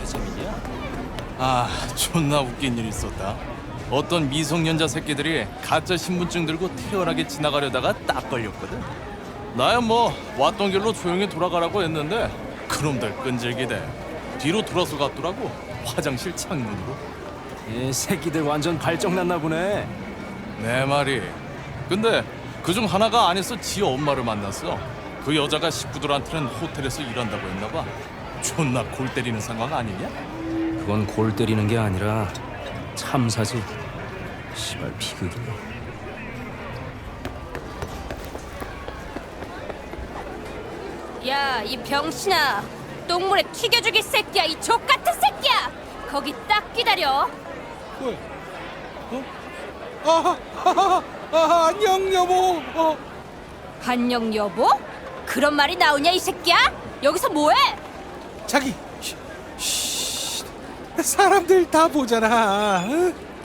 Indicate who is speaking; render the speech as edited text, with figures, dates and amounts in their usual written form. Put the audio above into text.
Speaker 1: 재민이야?
Speaker 2: 아, 존나 웃긴 일 있었다. 어떤 미성년자 새끼들이 가짜 신분증 들고 태연하게 지나가려다가 딱 걸렸거든. 나야 뭐 왔던 길로 조용히 돌아가라고 했는데 그놈들 끈질기대 뒤로 돌아서 갔더라고. 화장실 창문으로.
Speaker 1: 이 새끼들 완전 발정났나 보네.
Speaker 2: 내 말이. 근데 그중 하나가 안에서 지 엄마를 만났어. 그 여자가 식구들한테는 호텔에서 일한다고 했나 봐. 존나 골 때리는 상황 아니냐?
Speaker 1: 그건 골 때리는 게 아니라 참사지. 시발 비극이.
Speaker 3: 야, 이 병신아, 똥물에 튀겨 죽일 새끼야, 이 족같은 새끼야. 거기 딱 기다려.
Speaker 4: 안녕 여보.
Speaker 3: 안녕 여보? 그런 말이 나오냐 이 새끼야? 여기서 뭐해?
Speaker 4: 자기. 사람들 다 보잖아. 응?